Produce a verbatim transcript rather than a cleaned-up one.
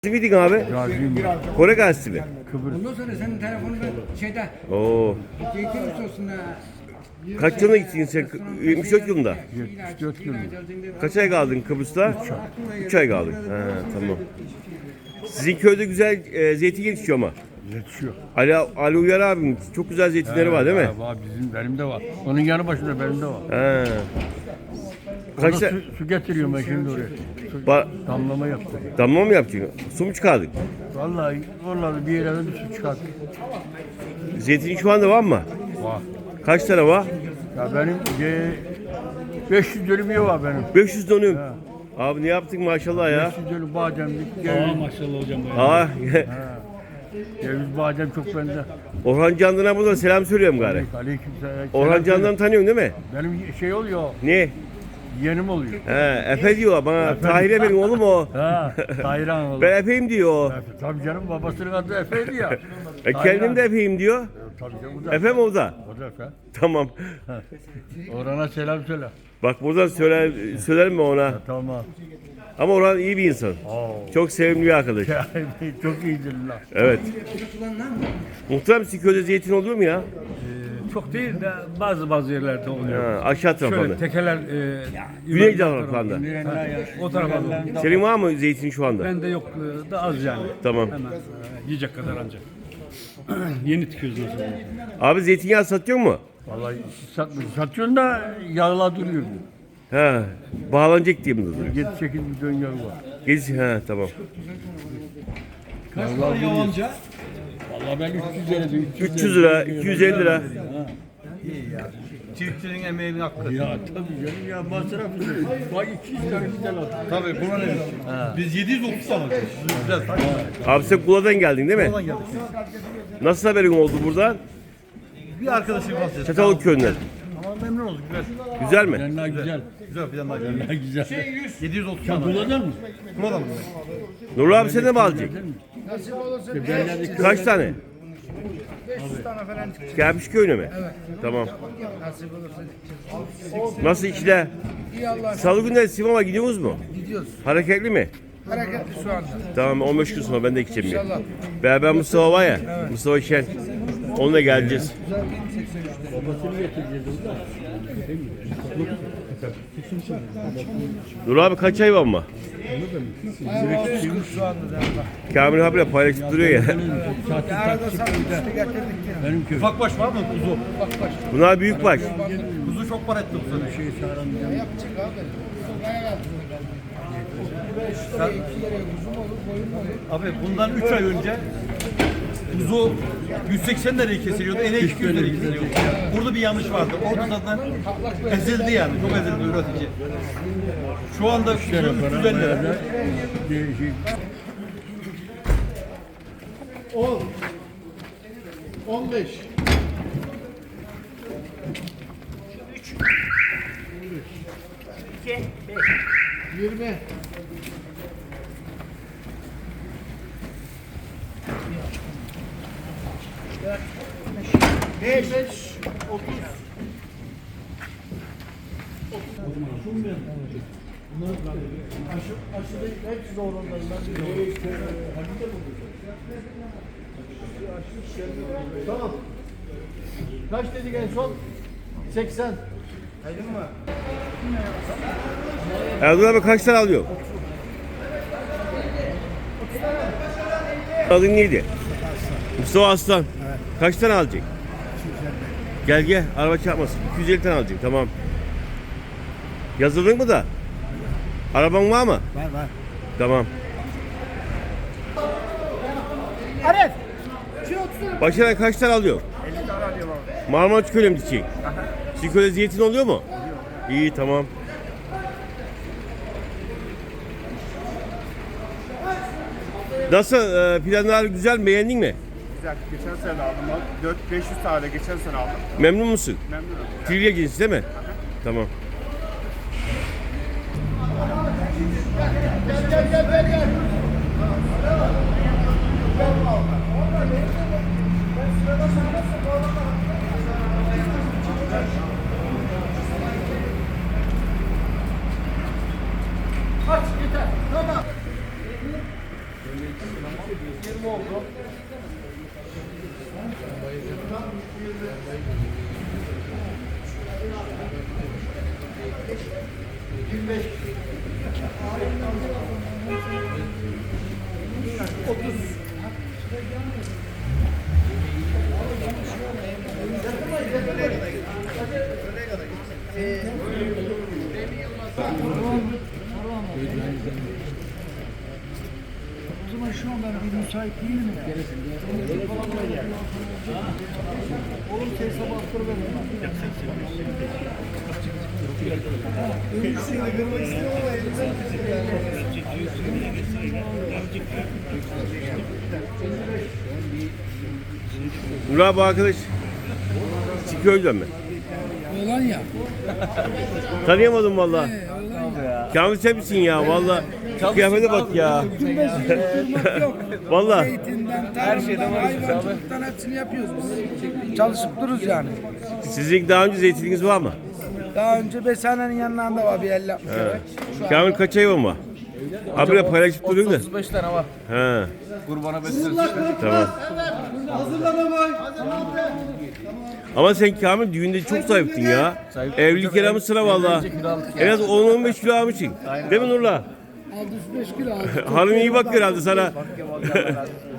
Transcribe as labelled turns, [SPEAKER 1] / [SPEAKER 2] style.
[SPEAKER 1] Miydin abi?
[SPEAKER 2] Gaziyim ben.
[SPEAKER 1] Kore gazisi mi?
[SPEAKER 2] Kıbrıs.
[SPEAKER 3] Ondan sonra senin telefonun ben şeyde
[SPEAKER 1] Oo.
[SPEAKER 3] zeytin üstosunda
[SPEAKER 1] Kaç yılına gittin sen? yetmiş dört yılında.
[SPEAKER 2] yetmiş dört yılında.
[SPEAKER 1] Kaç ay kaldın Kıbrıs'ta? üç ay kaldın. Ha, tamam. Sizin köyde güzel e, zeytin yetişiyor ama.
[SPEAKER 2] Yetişiyor.
[SPEAKER 1] Ali, Ali Uyar abim çok güzel zeytinleri var değil mi?
[SPEAKER 2] Ha, var, bizim benim de var. Onun yanı başında benim de var.
[SPEAKER 1] Ha.
[SPEAKER 2] Kaç
[SPEAKER 1] Kaç
[SPEAKER 2] su, su getiriyorum ben şimdi oraya. Su,
[SPEAKER 1] Ba-
[SPEAKER 2] damlama yaptım.
[SPEAKER 1] damla mı yapacaksın? Su mu çıkardın?
[SPEAKER 2] Vallahi vallahi bir yere bir su çıkarttım.
[SPEAKER 1] Zeytin şu anda var mı?
[SPEAKER 2] Var.
[SPEAKER 1] Kaç tane var?
[SPEAKER 2] Ya benim e, beş yüz dönüm yer var benim.
[SPEAKER 1] beş yüz dönüm.
[SPEAKER 2] Ha.
[SPEAKER 1] Abi ne yaptın maşallah ya.
[SPEAKER 2] beş yüz dönüm bademlik.
[SPEAKER 4] Aa
[SPEAKER 2] Ceviz,
[SPEAKER 4] maşallah hocam.
[SPEAKER 1] Aa,
[SPEAKER 2] ceviz badem çok bende.
[SPEAKER 1] Orhan Candan'a buradan selam söylüyorum gari.
[SPEAKER 2] Aleyküm selam.
[SPEAKER 1] Orhan Candan'ı tanıyorsun değil mi?
[SPEAKER 2] Benim şey oluyor,
[SPEAKER 1] Ne?
[SPEAKER 2] yeğenim oluyor.
[SPEAKER 1] He, Efe diyor bana. Tahir'e benim oğlum o.
[SPEAKER 2] Ha, Tayran oluyor.
[SPEAKER 1] Ben Efe'yim diyor.
[SPEAKER 2] Tabii canım babasının adı Efe'ydi ya.
[SPEAKER 1] E, kendim de Efe'yim diyor.
[SPEAKER 2] Tabii canım bu da
[SPEAKER 1] Efe mi o da?
[SPEAKER 2] O da Efe.
[SPEAKER 1] Tamam.
[SPEAKER 2] Orhan'a selam söyle.
[SPEAKER 1] Bak buradan söyler, söylerim mi ona?
[SPEAKER 2] Tamam.
[SPEAKER 1] Ama Orhan iyi bir insan.
[SPEAKER 2] Oo.
[SPEAKER 1] Çok sevimli bir arkadaş.
[SPEAKER 2] Çok iyidir lan.
[SPEAKER 1] Evet. Muhtemelen sizin köyde zeytin oluyor mu ya?
[SPEAKER 4] Çok değil de bazı bazı yerlerde oluyor.
[SPEAKER 1] Ha, aşağı
[SPEAKER 4] Şöyle
[SPEAKER 1] tarafında.
[SPEAKER 4] tekeler e,
[SPEAKER 1] Güney
[SPEAKER 4] yuvarlak
[SPEAKER 1] taraflarında.
[SPEAKER 4] tarafı, o tarafa doğru.
[SPEAKER 1] Senin var mı zeytin şu anda?
[SPEAKER 4] Bende yok e, da az yani.
[SPEAKER 1] Tamam.
[SPEAKER 4] Hemen e, yiyecek kadar ancak. Yeni tikiyoruz nasıl?
[SPEAKER 1] Abi zeytinyağı satıyor mu?
[SPEAKER 2] Vallahi satmıyor. Satıyorsun da yağla duruyor.
[SPEAKER 1] Ha, bağlanacak diye mi duruyor?
[SPEAKER 2] yedi sekiz milyon yağı var.
[SPEAKER 1] Gez, ha tamam.
[SPEAKER 2] Kaç para yavanca? Vallahi ben üç yüz lira diyorum.
[SPEAKER 1] üç yüz lira, iki yüz elli lira.
[SPEAKER 5] Çiftçinin emeğinin hakkı.
[SPEAKER 2] Ya tabii canım ya masraf. Bak iki yüz tane güzel aldım.
[SPEAKER 5] Tabii buna ne? Biz yedi yüz otuz tane alıyoruz. Güzel.
[SPEAKER 1] Abi sen Kula'dan geldin değil mi?
[SPEAKER 5] Oradan geldik.
[SPEAKER 1] Nasıl haberin oldu buradan?
[SPEAKER 5] Bir arkadaşım var.
[SPEAKER 1] Çatalık köyünden.
[SPEAKER 5] Ama memnun olduk. Güzel.
[SPEAKER 1] Güzel mi?
[SPEAKER 2] Yanlar güzel.
[SPEAKER 5] Güzel bir yandan geldi.
[SPEAKER 2] Yanlar güzel.
[SPEAKER 5] yedi yüz otuz
[SPEAKER 2] Sen
[SPEAKER 5] tane.
[SPEAKER 2] kullanır mısın?
[SPEAKER 5] Buradan mı?
[SPEAKER 1] Nurlu abi sen de mi alacaksın?
[SPEAKER 2] Ben
[SPEAKER 1] Kaç tane?
[SPEAKER 3] beş yüz tane falan çıkacak.
[SPEAKER 1] Gelmiş köyüne mi? Evet. Tamam.
[SPEAKER 3] Nasip olursa.
[SPEAKER 1] Nasıl işler?
[SPEAKER 3] İyi Allah
[SPEAKER 1] Salı günleri Sivas'a gidiyoruz mu?
[SPEAKER 3] gidiyoruz.
[SPEAKER 1] Hareketli mi?
[SPEAKER 3] Hareketli şu anda.
[SPEAKER 1] Tamam on beş gün sonra ben de gideceğim. Ya. Beraber Mustafa var ya. Mustafa Şen. Onunla geleceğiz. Dur abi kaç ay var mı?
[SPEAKER 3] Şu anda da.
[SPEAKER 1] Kamil abiyle paylaşıp duruyor ya.
[SPEAKER 3] Arada satmıştı getirdik yine.
[SPEAKER 2] Benim köyüm.
[SPEAKER 5] Ufak baş var mı kuzu?
[SPEAKER 1] Bunlar büyük baş.
[SPEAKER 5] Kuzu çok para etti bu sene.
[SPEAKER 2] Şey sağlam.
[SPEAKER 3] Yapacak abi. Sen... İki yere kuzum olur, boyun olur.
[SPEAKER 5] Abi bundan üç ay önce kuzu yüz seksen liraya kesiliyordu. Enek iki yüz liraya kesiliyordu. Burada bir yanlış vardı. Orada zaten ezildi yani. Çok ezildi üretici. Şu anda kuzu üç yüz elli lira.
[SPEAKER 2] Değişik.
[SPEAKER 6] on, on beş. yirmi. beş, beş, otuz. Aşı, aşı değil, hepsi zorundayım ben biliyorum. Tamam. Kaç dedik en son? seksen.
[SPEAKER 1] Erdoğan abi kaç tane alıyor? Adın neydi? Mustafa Aslan. Kaç tane alacak? Gel gel araba çarpmasın. iki yüz elli tane alacak tamam. Yazıldın mı da? Araban var mı?
[SPEAKER 6] Var var.
[SPEAKER 1] Tamam.
[SPEAKER 6] Arif.
[SPEAKER 1] Başına kaç tane alıyor? elli tane alıyorum abi. Marmaris Köyü'ne mi gidecek? Sizin köyde zeytin oluyor mu? İyi tamam. Nasıl e, planlar güzel mi? Beğendin mi?
[SPEAKER 7] Güzel. Geçen sene aldım. dört beş yüz tane geçen sene aldım.
[SPEAKER 1] Memnun musun?
[SPEAKER 7] Memnunum.
[SPEAKER 1] Trivia cinsi değil mi? Tamam.
[SPEAKER 6] Gel gel gel gel. Kaç yeter. Tamam.
[SPEAKER 3] O zaman şu an ben bir müsait değilim ya. Oğlum sen sabah attır verin.
[SPEAKER 1] Murat bu arkadaş Çiğköy'den mi?
[SPEAKER 3] Oğlan ya.
[SPEAKER 1] Tanıyamadım valla.
[SPEAKER 3] He, oğlan ya.
[SPEAKER 1] Kamil sen misin ya valla? Kıyafete bak ya.
[SPEAKER 3] Durmak yok.
[SPEAKER 1] Valla.
[SPEAKER 3] Zeytinden, tarımdan, hayvancılıktan hepsini yapıyoruz biz. Çalışıp dururuz yani.
[SPEAKER 1] Sizin daha önce zeytininiz var mı?
[SPEAKER 3] Daha önce Besane'nin yanlarında var bir elli altmış evet. Şu an
[SPEAKER 1] Kamil kaç hayvan var? Habire paylaşıp duruyor da.
[SPEAKER 5] otuz beş tane var.
[SPEAKER 1] He,
[SPEAKER 5] Kurbana beslendik.
[SPEAKER 1] tamam. Ama sen Kamil düğünde çok sahiptin ya. Evlilik kelamı sıra valla. En az on on beş kilo almışsın. Değil mi Nurla?
[SPEAKER 3] altmış beş kilo aldı.
[SPEAKER 1] Hanım iyi bakıyor herhalde sana.